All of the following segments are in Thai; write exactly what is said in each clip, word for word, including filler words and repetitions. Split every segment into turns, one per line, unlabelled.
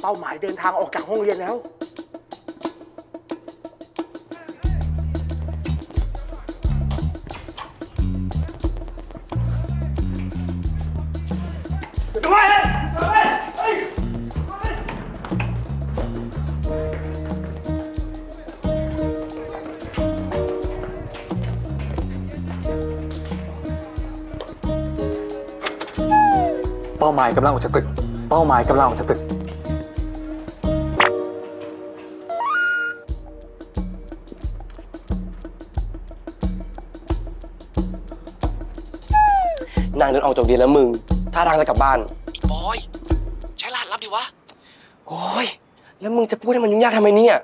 เป้าหมายเดินทางออกจากห้องเรียนแล้ว
เป้าหมายกำลังออกจากตึกเป้าหมายกำลังออกจากตึก
นางเดินออกจากเรียนแล้วมึงท่าทางจะกลับบ้าน
บอยใช้รหัสลับดิวะ
โอ้ยแล้วมึงจะพูดให้มันยุ่งยากทำไมเนี่ย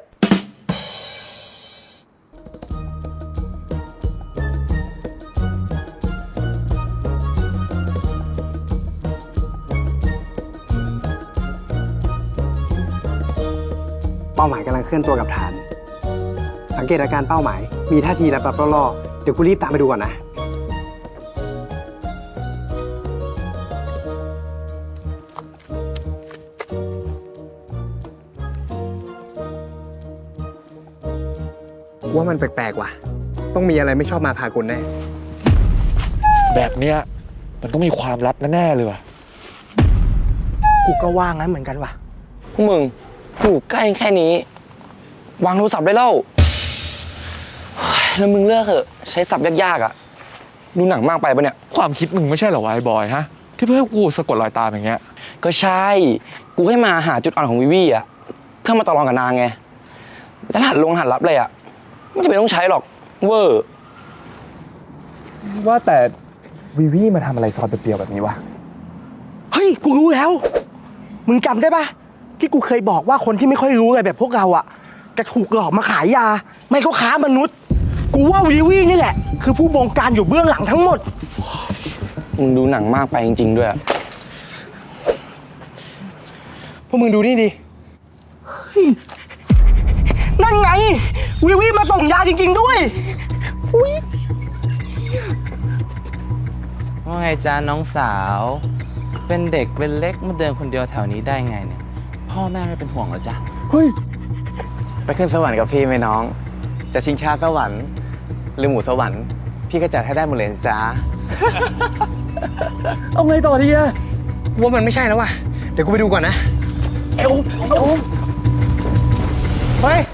เป้าหมายกำลังเคลื่อนตัวกับฐานสังเกตอาการเป้าหมายมีท่าทีรับรับล่อๆเดี๋ยวกูรีบตามไปดูก่อนนะว่ามันแปลกๆว่ะต้องมีอะไรไม่ชอบมาพากลแน่
แบบเนี้ยมันต้องมีความลับแน่ๆเลยว่ะ
กูก็ว่างั้นเหมือนกันว่ะ
พวกมึงอยู่ใกล้แค่นี้วางโทรศัพท์ได้แล้วเฮ้ยแล้วมึงเลิกเถอะใช้ศัพท์ยากๆอ่ะดูหนังมากไปปะเนี่ย
ความคิดมึงไม่ใช่เหรอวะไอ้บอยฮะที่เพื่อให้กูสะกดรอยตามอย่างเงี้ย
ก็ใช่กูให้มาหาจุดอ่อนของวิวี่อ่ะเพื่อมาต่อรองกับนางไงแล้วหัดลงหัดรับเลยอ่ะไม่จำเป็นต้องใช้หรอกเวอร์
ว่าแต่วิวี่มาทำอะไรซอนเปรียวๆแบบนี้วะ
เฮ้ยกูรู้แล้วมึงจำได้ปะที่กูเคยบอกว่าคนที่ไม่ค่อยรู้อะไรแบบพวกเราอะจะถูกหลอกมาขายยาไม่ก็ค้ามนุษย์กูว่าวีวีนี่แหละคือผู้บงการอยู่เบื้องหลังทั้งหมด
มึงดูหนังมากไปจริงๆด้วย
พวกมึงดูนี่ดิ
นั่นไงวีวีมาส่งยาจริงๆด้วยอุ้ย
ว่าไงจ้าน้องสาวเป็นเด็กเป็นเล็กมาเดินคนเดียวแถวนี้ได้ไงเนี่ยพ่อแม่ไม่เป็นห่วงเหรอจ๊ะ
เฮ้ย
ไปขึ้นสวรรค์กับพี่ไหมน้อง จะชิงชาสวรรค์หรือหมูสวรรค์พี่ก็จัดให้ได้หมดเลยจ้า
เอาไงต่อดีอะกูว่ามันไม่ใช่แล้วว่ะเดี๋ยวกูไปดูก่อนนะเอวเอวเฮ้ย